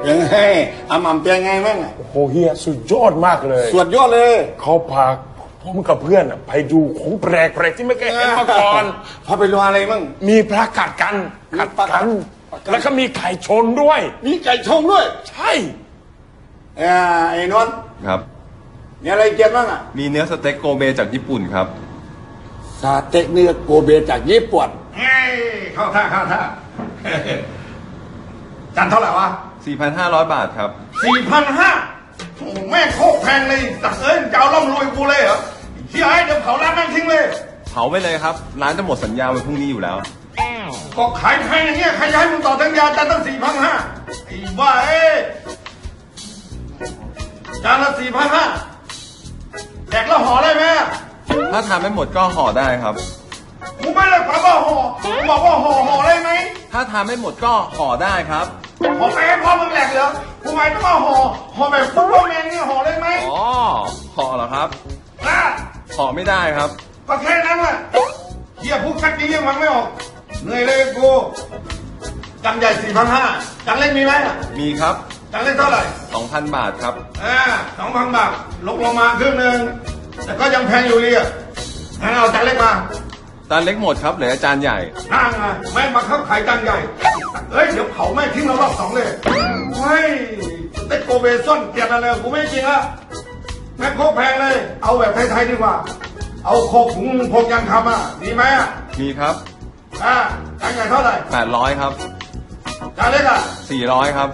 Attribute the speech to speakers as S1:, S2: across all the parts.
S1: ยังไงอาหม่ำเป็นไงมั่ง
S2: โอ้โหเฮียสุดยอดมากเลย
S1: สวดยอดเลย
S2: เขาพาผมกับเพื่อนไปดูของแปลกๆที่ไม่เคยเห็นมาก่อน
S1: พาไปดูอะไรมั่ง
S2: มีพระกัดกัน
S1: มีพระกัด
S2: แล้วก็มีไก่ชนด้วย
S1: มีไก่ชงด้วย
S2: ใช่
S1: ไอ้นนท์
S3: ครับ
S1: มีอะไรเกียนบ้างอ่ะ
S3: มีเนื้อสเต็กโกเบจากญี่ปุ่นครับ
S1: สเต็กเนื้อโกเบจากญี่ปุ่นเฮ้ยเข้าท่าจานเท่าไหร่วะ
S3: 4,500 บาทครับ
S1: 4,500โอ้แม่โคกแพงเลยตักเอ้ยจะเอาล่ำรวยกูเลยเหรอเฮียไอ้เดี๋ยวเผาร้านแม่งทิ้งเลย
S3: เผาไปเลยครับ ร้านจะหมดสัญญาวันพรุ่งนี้อยู่แล้ว
S1: ก็ขายแพงอย่างเงี้ยใครจะให้มึงต่อสัญญาจานตั้ง4,500ไอ้บ้าจานละ4,500แดกแล้วห่อได้ไหม
S3: ถ้าทานไม่หมดก็ห่อได้ครับ
S1: กูไม่ได้ถามว่าห่อกูบอกว่าห่อได้ไหม
S3: ถ้าทานไม่หมดก็ห่อได้ครับ
S1: ห่อไปให้พ่อมึงแหลกเหรอกูหมายถึงว่าห่อแบบซุปเปอร์แมนเนี่ยห่อได้ไหม
S3: อ๋อ ห่อเหรอครับ
S1: อ่ะ
S3: ห่อไม่ได้ครับ
S1: ก็แค่นั้นแหละเฮียพูดชัดนี้ยังฟังไม่ออกเหนื่อยเลยกูจังใหญ่4,500จังเล็กมีไหม
S3: มีครับ
S1: จังเล็กเท่าไหร่
S3: 2,000 บาทครับ
S1: 2,000 บาทลงมาครึ่งหนึ่งแต่ก็ยังแพงอยู่ดีอ่ะงั้นเอาจังเล็กมา
S3: จานเล็กหมดครับ เหลือจานใหญ่
S1: นั่งไงแม่มาเข้าขายจังใหญ่เฮ้ยเดี๋ยวเผาแม่ทิ้งเรารอบ2เลยเฮ้ยเต็กโกเบซ่อนเกลียดอะไรกูไม่กินละแม่โคกแพงเลย เอาแบบไทยๆดีกว่า เอาโคกถุงพงยังคำอ่ะดีไหมอ่ะ
S3: มีครับ
S1: จังใหญ่เท่าไหร่
S3: 800 ครับ
S1: จานเล็กอ่ะ
S3: 400 ครับ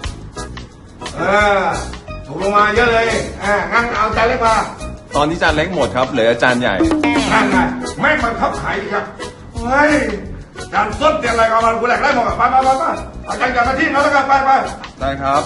S1: ถูกลงมาเยอะเลยงั้นเอาจานเล็กมา
S3: ตอนนี้จานเล็กหมดครับ เหลือจานใหญ่
S1: นั่นไงแม่งมันเข้าขายดีครับเฮ้ยจานส้นเตียนอะไรกันมากูแหลกไล่หมดอ่ะไปเอาจานใหญ่มาที่เราแล้วกันไป
S3: ได้ครับ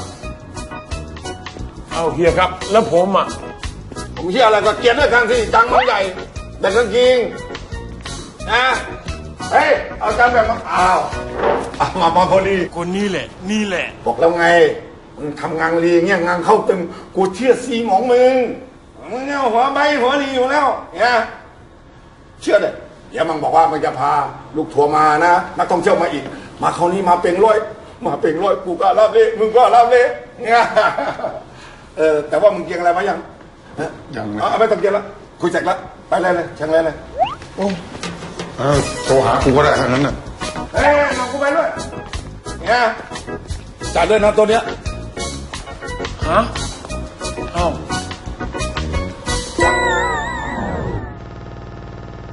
S2: เอาเฮียครับ แล้วผมอ่ะ
S1: ผมเชื่ออะไรก็เกียรติด้วยกันที่จังมันใหญ่แต่ก็จริงนะเฮ้ยเอาจานแบบมาเอามาพอดี
S2: คนนี้แหละ นี่แหละ
S1: บอกแล้วไงมึงทำงานรีเงี้ยงานเข้าตึงกูเชื่อซีหมองมึงเนี่ยหัวใบหัวดีอยู่แล้วเนี่ยเชื่อเลยเดี๋ยวมันบอกว่ามันจะพาลูกทัวร์มานะนักท่องเที่ยวมาอีก มาคราวนี้มาเป็นร้อยกูก็รับเลยมึงก็รับเลยเนี่ยแต่ว่ามึงเกียงอะไรมายังยังไม่ต้องเกียงแล้วคุยเสร็จแล้วไปเลยเชียงเลย
S4: โทรหากูก็ได้ทั้งนั้นน่ะ
S1: เฮ้ยมากูไปด้วยเนี่ยจ่ายด้วยนะตัวเนี้ย
S2: ฮะ